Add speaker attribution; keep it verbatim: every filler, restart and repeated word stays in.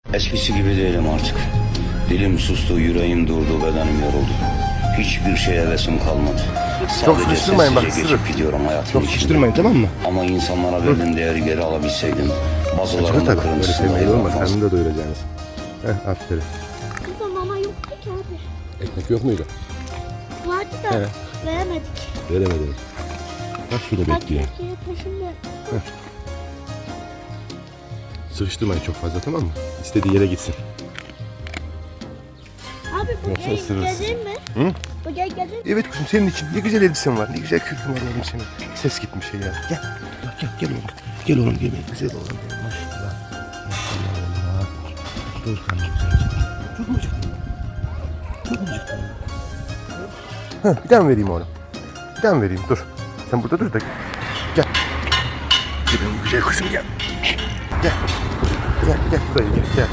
Speaker 1: Eskisi gibi değilim artık. Dilim sustu, yüreğim durdu, bedenim yoruldu. Hiçbir şeye hevesim kalmadı.
Speaker 2: Çok
Speaker 1: Sadece
Speaker 2: sıkıştırmayın bak,
Speaker 1: sessizce
Speaker 2: ısırır.
Speaker 1: geçip gidiyorum hayatım
Speaker 2: Çok
Speaker 1: içinde.
Speaker 2: sıkıştırmayın, tamam mı?
Speaker 1: Ama insanlara verdiğim değeri geri alabilseydim.
Speaker 2: Çıkar
Speaker 1: Bazılarının
Speaker 2: tabii. Böyle
Speaker 1: kırıntısında
Speaker 2: sevmeyi olmaz.
Speaker 1: yapamaz.
Speaker 2: Karnını da doyuracaksınız. Heh, aferin.
Speaker 3: Kızım mama yoktu ki abi.
Speaker 2: Ekmek yok muydu?
Speaker 3: Vardı da
Speaker 2: He.
Speaker 3: veremedik.
Speaker 2: Veremedim. Bak şurada
Speaker 3: Bak
Speaker 2: bekliyor.
Speaker 3: Türkiye peşinde.
Speaker 2: Sıkıştırmayın çok fazla, tamam mı? İstediği yere gitsin.
Speaker 3: Abi bu
Speaker 2: Yoksa
Speaker 3: gel
Speaker 2: ısırırsın.
Speaker 3: gelir mi?
Speaker 2: Hı?
Speaker 3: Bu gel gelir mi?
Speaker 2: Evet kuzum, senin için. Ne güzel elbisen var. Ne güzel kürkün var oğlum senin. Ses gitmiş ya. Gel. Gel, gel, gel oğlum. Gel oğlum, gel. Güzel oğlum. Gel. Maşallah. Maşallah. Dur karnım güzel. Çok mu acıktın? Çok mu acıktın? Heh, bir daha mı vereyim oğlum? Bir daha mı vereyim? Dur. Sen burada dur da. Gel. Gel benim güzel kuzum, gel. Gel. Gel, gel. Buraya gel. Gel.